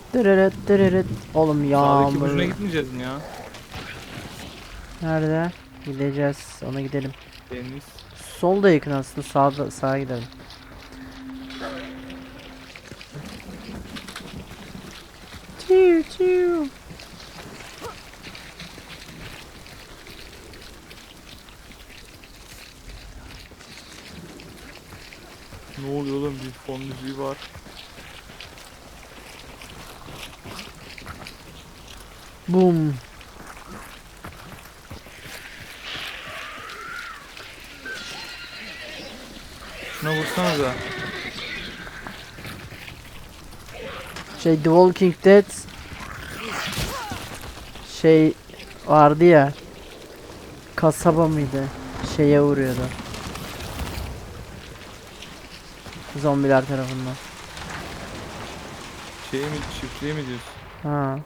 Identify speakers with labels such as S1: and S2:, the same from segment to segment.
S1: Dırırıt dırırıt. Oğlum
S2: Sağdaki
S1: yağmur.
S2: ucuna gitmeyeceğiz mi ya?
S1: Nerede? Gideceğiz. Ona gidelim.
S2: Deniz.
S1: Sol da yakın aslında. Sağda sağa gidelim. Çiu çiu.
S2: Ne oluyor oğlum, bir fon müziği var.
S1: Boom.
S2: Şuna vursanıza.
S1: Şey The Walking Dead şey vardı ya, kasaba mıydı? Şeye vuruyordu. Zombiler tarafından.
S2: Şey mi, çiftliğe mi diyorsun?
S1: Ha.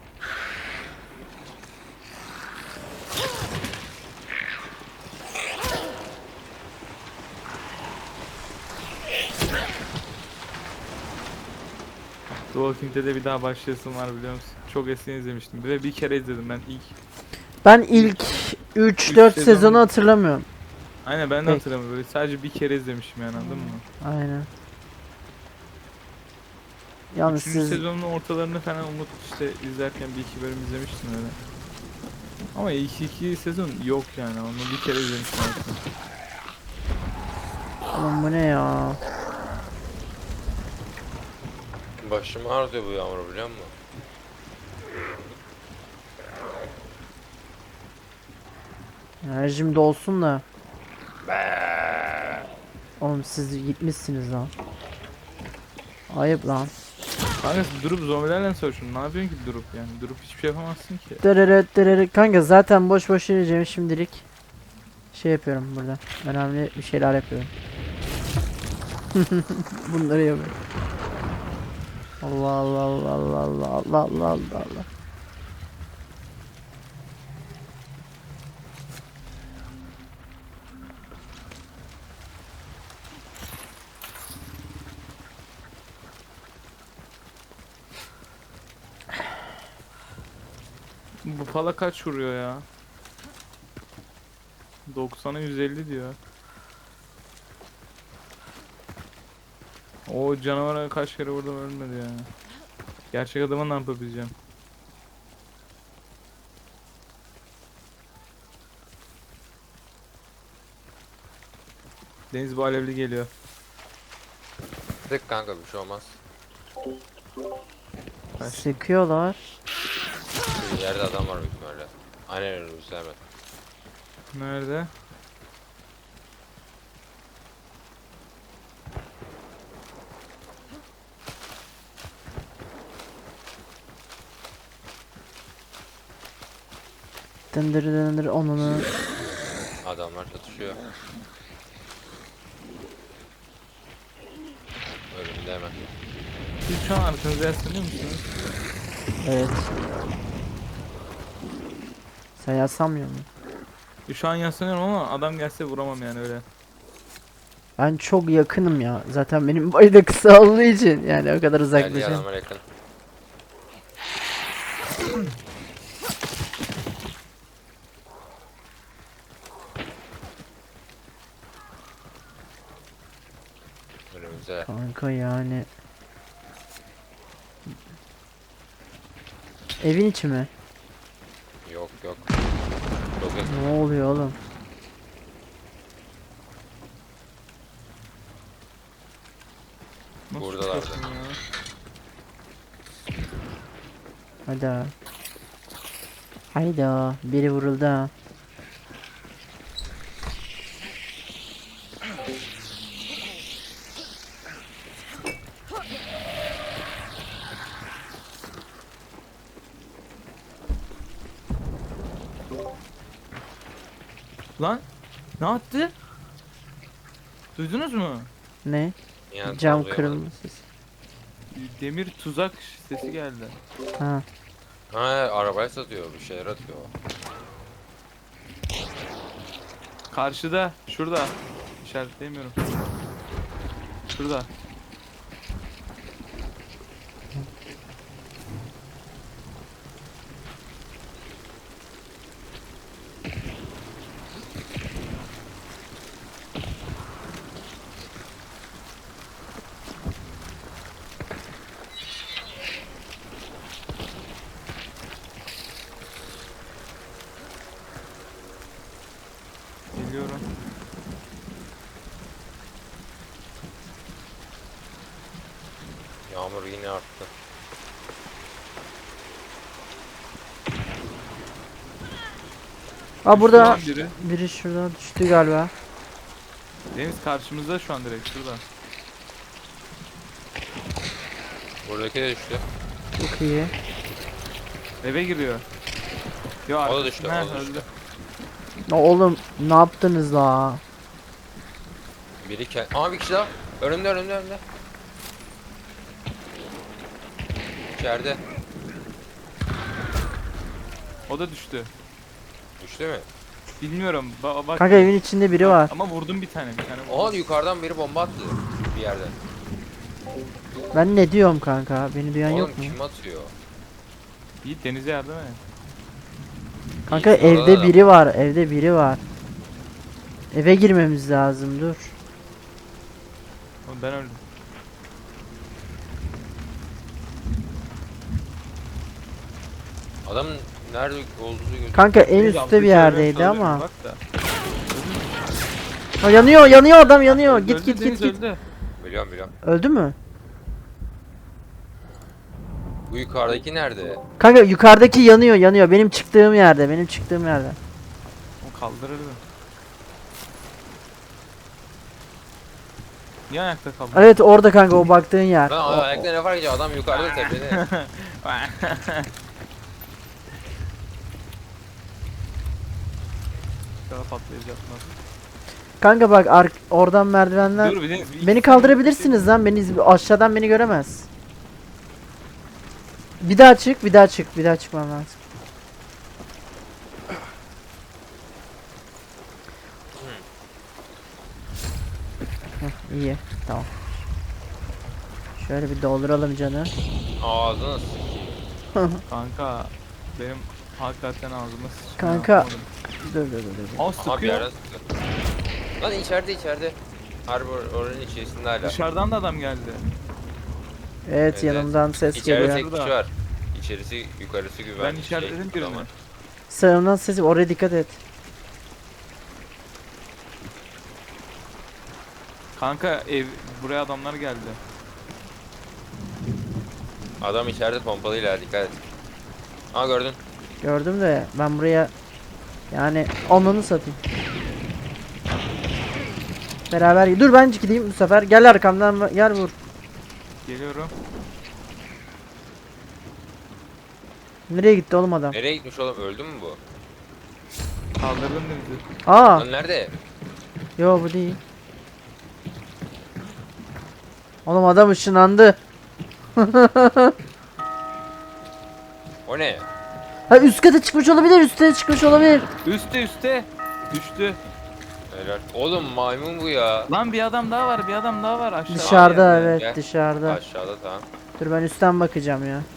S2: The Walking Dead'e bir daha başlayasım var, biliyor musun? Çok eskiden izlemiştim ve bir kere izledim ben ilk.
S1: Ben ilk 3-4
S2: sezon-
S1: sezonu hatırlamıyorum.
S2: Aynen, ben de
S1: Pek.
S2: hatırlamıyorum, böyle sadece bir kere izlemişim yani, anladın mı?
S1: Aynen. Yalnız
S2: Üçüncü
S1: siz
S2: sezonun ortalarını falan Umut işte izlerken bir iki bölüm izlemiştim öyle. Ama ilk iki sezon yok yani, onu bir kere izlemiştim aslında.
S1: oğlum bu ne ya?
S3: Başım ağrıyor bu yağmur, biliyor musun?
S1: Enerjim de olsun da. Oğlum siz gitmişsiniz lan. Ayıp lan.
S2: Kanka durup zombilerle savaşın, ne yapıyorsun ki durup yani? Durup hiçbir şey yapamazsın ki.
S1: Dırırıt dırırıt. Kanka zaten boş boş yürüyeceğim şimdilik. Şey yapıyorum burada. Önemli bir şeyler yapıyorum. Bunları yapıyorum. Allah Allah Allah Allah Allah Allah Allah Allah Allah.
S2: Bu pala kaç vuruyor ya? 90'a 150 diyor. O canavara kaç kere vurdum, ölmedi ya. Gerçek adama ne yapabileceğim? Deniz, bu alevli geliyor.
S3: Tek kanka, bir şey olmaz.
S2: Kaç.
S1: Sıkıyorlar.
S3: Bir yerde adam var büyük ihtimalle. Aynen önümüzde hemen.
S2: Nerede?
S1: Dındır dındır onunu.
S3: Adamlar çatışıyor. Önümde hemen.
S2: Siz şu an arkanıza yaslanıyor musunuz?
S1: Evet. Sen yasamıyor musun?
S2: Şu an yaslanıyorum ama adam gelse vuramam yani, öyle.
S1: Ben çok yakınım ya. Zaten benim boy da kısa olduğu için yani o kadar
S3: Geldi,
S1: uzaklaşamam.
S3: adamlar yakın. Önümüzde.
S1: Kanka yani. Evin içi mi?
S3: Yok yok. Çok yakın.
S1: Ne oluyor oğlum?
S2: Nasıl
S3: Buradalardı.
S2: çıkarsın ya?
S1: Hayda. Hayda. Biri vuruldu ha.
S2: Lan ne attı? Duydunuz mu?
S1: Ne?
S3: Yani
S1: Cam
S3: tam duyamadım.
S1: kırılması.
S2: Demir tuzak sesi geldi.
S1: Ha.
S3: Ha, arabaya satıyor, bir şeyler atıyor.
S2: Karşıda, şurada. İşaretleyemiyorum. Şurada.
S3: Yağmur yine arttı.
S1: Aa burada
S2: Şu an biri.
S1: biri şuradan düştü galiba.
S2: Deniz karşımızda şu an direkt şurada.
S3: Buradaki de düştü.
S1: Çok iyi.
S2: Eve giriyor. Yo,
S3: O da
S2: arkasında-
S3: düştü,
S2: Ha,
S3: o da düştü.
S2: öldü.
S1: Ya oğlum ne yaptınız la?
S3: Biri Aa, bir kişi daha. Önümde. İçeride.
S2: O da düştü.
S3: Düştü mü?
S2: Bilmiyorum. Bak.
S1: Kanka evin içinde biri var.
S2: Ama vurdum bir tane
S3: Aha,
S2: vurdum.
S3: yukarıdan biri bomba attı. Bir yerden.
S1: Ben ne diyorum kanka? Beni duyan
S3: Oğlum
S1: yok mu?
S3: kim atıyor?
S2: Yiğit Deniz'e yardım et.
S1: Kanka
S3: İyi, orada
S1: evde
S3: da-
S1: biri var. Evde biri var. Eve girmemiz lazım dur.
S2: Oğlum ben öldüm.
S3: Adam nerede olduğu gözüküyor.
S1: Kanka en
S2: Deniz
S1: üstte
S2: alttaki
S1: bir
S2: yerden
S1: yerdeydi
S2: saldırıyor,
S1: ama.
S2: bak da.
S1: Ha, yanıyor adam yanıyor.
S2: Öldü,
S1: Git
S2: Deniz
S1: git.
S2: öldü.
S3: Biliyorum.
S1: Öldü mü?
S3: Bu yukarıdaki nerede?
S1: Kanka yukarıdaki yanıyor. Benim çıktığım yerde.
S2: O kaldırırdı. Niye ayakta kaldın?
S1: Evet orada kanka o baktığın yer.
S3: Lan ayakta ne var ki, adam yukarıda tepede.
S2: Daha patlayacak nasıl?
S1: Kanka bak oradan merdivenden.
S2: Dur bir Deniz. bir iki
S1: Beni
S2: saniye
S1: kaldırabilirsiniz lan. Aşağıdan beni göremez. Bir daha çıkmam lazım. Heh, iyi. Tamam. Şöyle bir dolduralım canı.
S3: Ağzını sikeyim.
S2: Kanka benim hakikaten ağzıma sıçtı.
S1: Kanka.
S2: yapamadım.
S1: Dur.
S2: Aa
S3: Aha, bir
S2: sıkıyor.
S3: yerden sıktı. Lan içeride. Harbi oranın içerisinde hala.
S2: Dışarıdan da adam geldi.
S1: Evet
S3: Evet.
S1: yanımdan ses
S3: İçeride
S1: geliyor.
S3: tek kişi var. İçerisi yukarısı güvenli.
S2: Ben işaretledim birini.
S3: ama.
S1: Sağımdan ses oraya dikkat et.
S2: Kanka buraya adamlar geldi.
S3: Adam içeride pompalıyla, dikkat et. Aa, gördün.
S1: Gördüm de ben buraya yani onunu satayım. Beraber dur ben gideyim bu sefer. Gel arkamdan gel vur.
S2: Geliyorum.
S1: Nereye gitti oğlum adam?
S3: Nereye gitmiş oğlum, öldü mü bu?
S2: Kaldırdım Deniz'i.
S1: Aa,
S3: Lan nerede?
S1: yo bu değil. Oğlum adam ışınlandı.
S3: O ne?
S1: Ha üst kata çıkmış olabilir, üstte çıkmış olabilir.
S2: Üste. Düştü.
S3: Helal. Oğlum maymun bu ya.
S2: Lan bir adam daha var aşağıda.
S1: Dışarıda
S2: yani.
S1: evet,
S3: Gel.
S1: dışarıda.
S3: Aşağıda, tamam.
S1: Dur ben üstten bakacağım ya.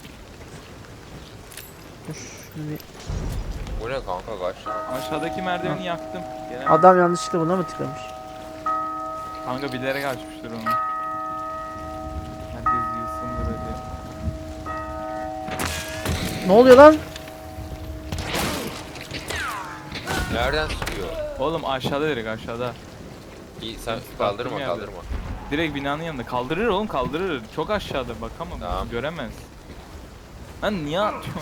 S1: Dur. şunu bir-
S3: Bu ne kanka, kaç?
S2: Aşağıdaki merdiveni yaktım. Gelen
S1: Adam yanlışlıkla buna mı tıklamış?
S2: kanka bilerek açmıştır onu. Herkes yılsındır hadi.
S1: Ne oluyor lan?
S3: Nereden sıkıyor?
S2: Oğlum aşağıda direkt aşağıda.
S3: İyi, sen
S2: Baktım
S3: kaldırma
S2: yerde.
S3: kaldırma.
S2: Direkt binanın yanında. Kaldırır oğlum kaldırır. Çok aşağıda bakamam.
S3: Tamam.
S2: Göremez. Lan niye atıyorsun?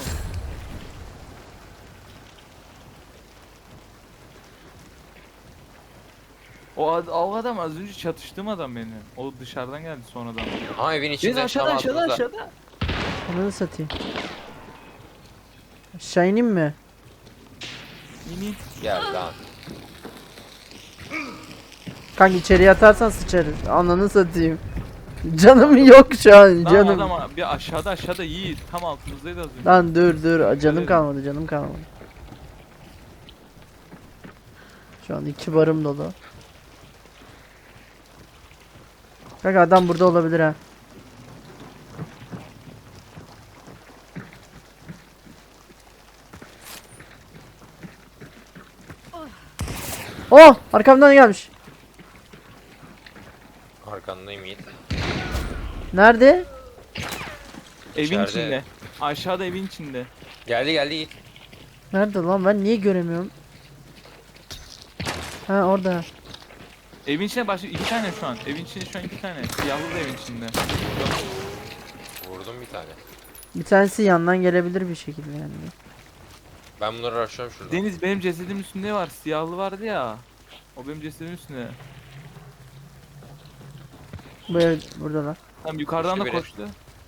S2: O adam az önce çatıştığım adam benim. O dışarıdan geldi sonradan.
S3: Aa, evin içinde.
S2: Biz aşağıda
S3: tam
S2: aşağıda
S3: altımızda.
S2: aşağıda.
S1: Onu satayım. Aşağı ineyim mi?
S2: İni.
S3: Gel lan.
S1: Kanka içeriye atarsan sıçarız. Ananı satayım. Canım yok şu an
S2: Lan
S1: canım.
S2: adam bir aşağıda Yiğit. Tam altımızdaydı az önce.
S1: Lan dur canım
S2: Öyle
S1: kalmadı. Şu an 2 barım dolu. Kanka adam burada olabilir ha. Oh arkamdan gelmiş.
S3: Arkandayım Yiğit.
S1: Nerede?
S2: Evin
S3: İçeride.
S2: içinde. Aşağıda evin içinde.
S3: Geldi Yiğit.
S1: Nerede lan ben niye göremiyorum? Ha orada.
S2: Evin içinde başka 2 tane şu an. Evin içinde şu an 2 tane. Siyahlı da evin içinde.
S3: Vurdum bir tane.
S1: Bir tanesi yandan gelebilir bir şekilde yani.
S3: Ben bunları araştırıyorum şurada.
S2: Deniz benim cesedimin üstünde ne var? Siyahlı vardı ya. O benim cesedimin üstünde.
S1: Bu ev buradalar.
S2: Tam yukarıdan da
S3: Koştu biri.
S2: koştu.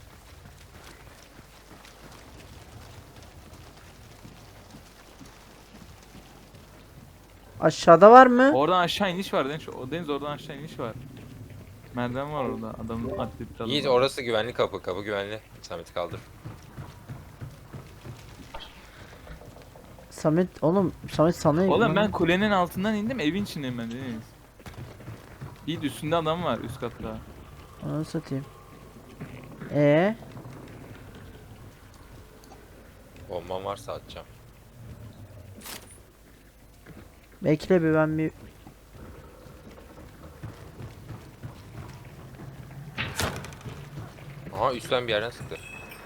S1: Aşağıda var mı?
S2: Oradan aşağı iniş var Deniz. O Deniz oradan aşağı iniş var. Merdiven var orada. Adamın atletli adam.
S3: Yiğit orası güvenli kapı. Kapı güvenli. Samet'i kaldır.
S1: Samet oğlum Samet sana
S2: Oğlum ben kulenin altından indim. Evin içindeyim ben Deniz. Yiğit üstünde adam var üst katta.
S1: Onu satayım.
S3: Bombam varsa atacağım.
S1: Bekle bir ben bir
S3: Aha üstten bir yerden sıktı.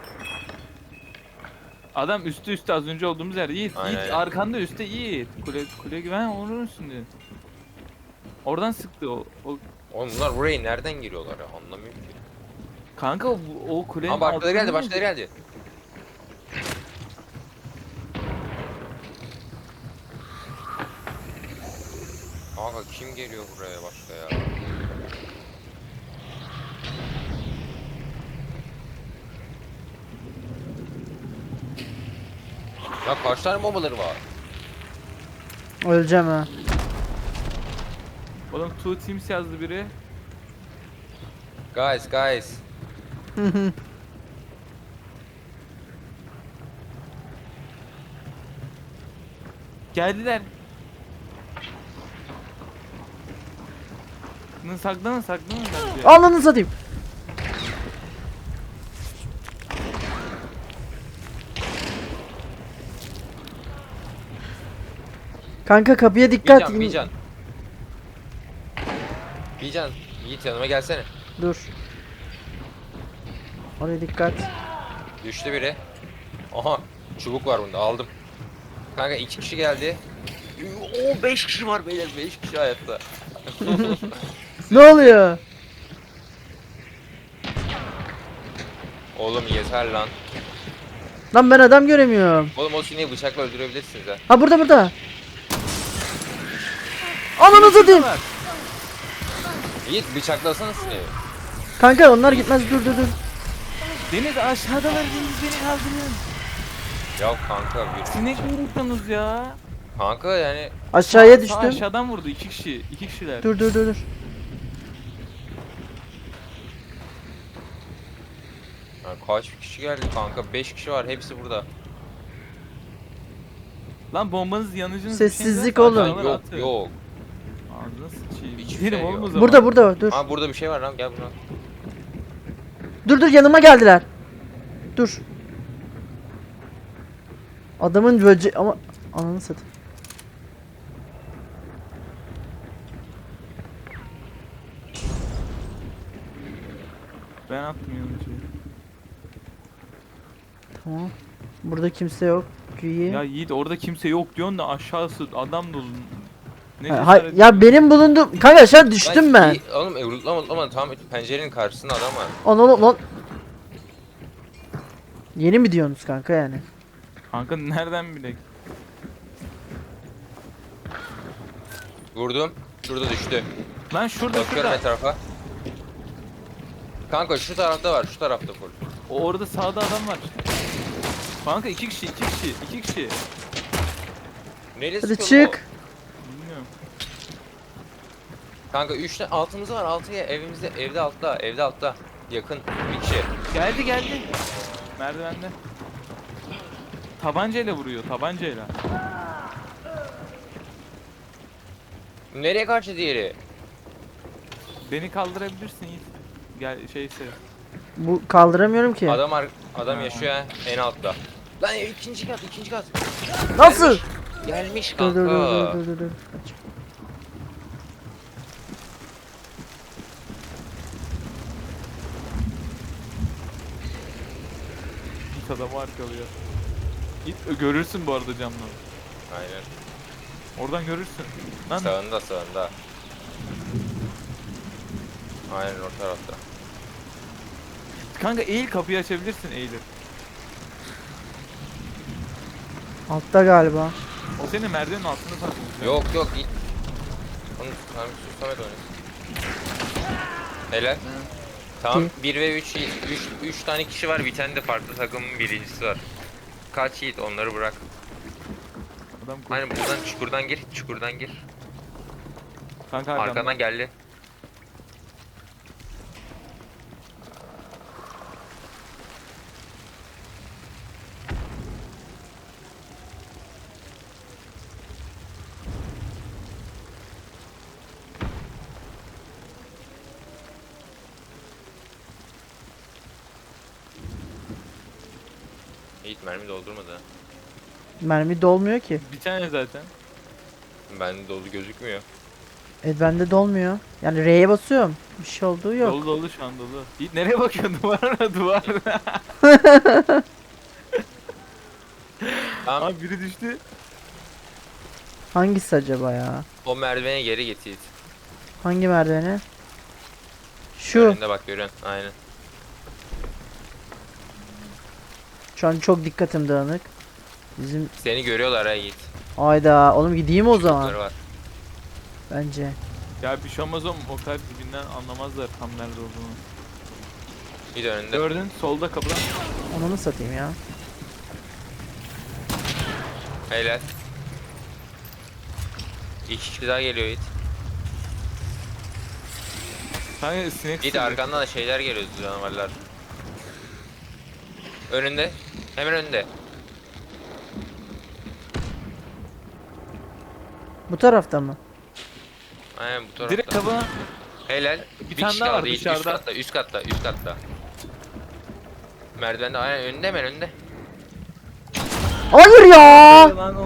S2: Adam üstü az önce olduğumuz yerde. Yiğit,
S3: Aynen,
S2: Yiğit
S3: aynen.
S2: arkanda üstte Yiğit. Kule güven onun üstünde. Oradan sıktı o.
S3: Oğlum bunlar buraya nereden giriyorlar ya? Anlamıyorum ki.
S2: Kanka o kulenin
S3: Ama başkaları geldi,
S2: altında-
S3: başkaları geldi. Kanka kim geliyor buraya başka ya? Ya kaç tane bombaları var?
S1: öleceğim ha.
S2: Oğlum two teams yazdı biri.
S3: Guys.
S2: Geldiler. Saklanın bence.
S1: Ananı satayım. Kanka kapıya dikkat.
S3: Bir can. Yiğit yanıma gelsene.
S1: Dur. Oraya dikkat.
S3: Düştü biri. Aha çubuk var bunda aldım. Kanka 2 kişi geldi. Oo 5 kişi var beyler, 5 kişi hayatta.
S1: Ne oluyor?
S3: Oğlum yeter lan.
S1: Lan ben adam göremiyorum.
S3: Oğlum o sineği bıçakla öldürebilirsiniz ha.
S1: Ha burada. Ananı satayım.
S3: Yiğit bıçaklasana sineği.
S1: Kanka onlar gitmez dur.
S2: Deniz aşağıdalar, Deniz beni kaldırın.
S3: Ya kanka bir
S2: Sinek mi vurdunuz ya?
S3: kanka yani
S1: Aşağıya
S2: Sağ
S1: düştüm.
S2: aşağıdan vurdu iki kişiler.
S1: Dur.
S3: kaç kişi geldi kanka, 5 kişi var, hepsi burada.
S2: Lan bombanız yanıcınız
S1: Sessizlik
S2: bir şey
S1: oğlum.
S2: var.
S3: Yok yok.
S2: Ağzına sıçayım.
S3: Hiçbir
S2: Gidelim
S3: şey
S2: oğlum
S3: yok.
S2: o zaman.
S1: Burada dur.
S3: Ha burada bir şey var lan, gel buna.
S1: Dur yanıma geldiler. Dur. Adamın böce ama ananı satayım.
S2: Ben attım yanıcıyı.
S1: Tamam. Burada kimse yok. Güyi.
S2: Ya Yiğit orada kimse yok diyorsun da aşağısı adam dolu. Ne
S1: Ha, ya benim bulunduğum kanka aşağı düştüm ben.
S3: Oğlum utlama tamam, pencerenin karşısında adam var.
S1: Lan. Yeni mi diyorsunuz kanka yani?
S2: Kanka nereden bilek?
S3: Vurdum. Şurada düştü.
S2: Lan şurada
S3: Bakıyorum etrafa. Kanka şu tarafta var, şu tarafta full.
S2: Orada sağda adam var. Kanka iki kişi.
S3: Neresi
S1: Hadi
S3: oğlum
S1: çık.
S2: Bilmiyorum.
S3: o? Kanka 3 tane altımızda var, altıya evimizde, evde altta. Yakın bir kişi.
S2: Geldi. Merdivende. Tabancayla vuruyor, tabancayla.
S3: Nereye kaçtı diğeri?
S2: Beni kaldırabilirsin Yiğit. Gel şeyse.
S1: Bu kaldıramıyorum ki.
S3: Adam yaşıyor ha, en altta. Lan ikinci kat.
S1: Nasıl?
S3: Gelmiş
S1: Dur.
S3: kanka.
S2: Yiğit adamı arkalıyor. Yiğit görürsün bu arada camdan.
S3: Aynen.
S2: Oradan görürsün. Lan
S3: Sağında. Aynen o tarafta.
S2: Kanka eğil, kapıyı açabilirsin eğilip.
S1: Altta galiba.
S2: O senin merdivenin altında takılmış.
S3: Yok yok git. Onu tamam Samet oynuyor. Helal. Tamam 1 ve 3 tane kişi var. Bir tane de farklı takımın birincisi var. Kaç Yiğit onları bırak.
S2: Adam koş.
S3: Aynen buradan çukurdan gir.
S2: Kanka
S3: Arkandan geldi. Yiğit mermi doldurmadı ha.
S1: Mermi dolmuyor ki.
S2: Bir tane zaten.
S3: Bende dolu gözükmüyor.
S1: Bende dolmuyor. Yani R'ye basıyorum. Bir şey olduğu yok.
S2: Dolu dolu şu an dolu. Yiğit nereye bakıyorsun? Duvara duvara.
S3: Tamam
S2: Abi biri düştü.
S1: Hangisi acaba ya?
S3: o merdivene geri git Yiğit.
S1: Hangi merdiveni? Şu.
S3: Önünde bak görüyorsun. Aynen.
S1: Şu an çok dikkatim dağınık. Bizim
S3: Seni görüyorlar ha Yiğit.
S1: ayda oğlum gideyim o zaman
S3: Çocukları var.
S1: bence.
S2: Ya bir şey olmaz oğlum, o kadar dibinden anlamazlar tam nerede olduğunu.
S3: Bir de önünde.
S2: Gördün solda kapıdan.
S1: Onu mu satayım ya?
S3: Helal. 2 kişi daha geliyor Yiğit.
S2: Kanka sinek
S3: Yiğit
S2: sürüyor.
S3: arkandan da şeyler geliyor canavarlar. Önünde. Hemen önünde.
S1: Bu tarafta mı?
S3: Aynen bu tarafta.
S2: Direkt kapına.
S3: Helal.
S2: Bir
S3: Bir
S2: tane
S3: kişi
S2: daha var
S3: kaldı Yiğit.
S2: dışarıda.
S3: Üst katta. Merdivende aynen önünde hemen önünde.
S1: Hayır ya!
S2: Lan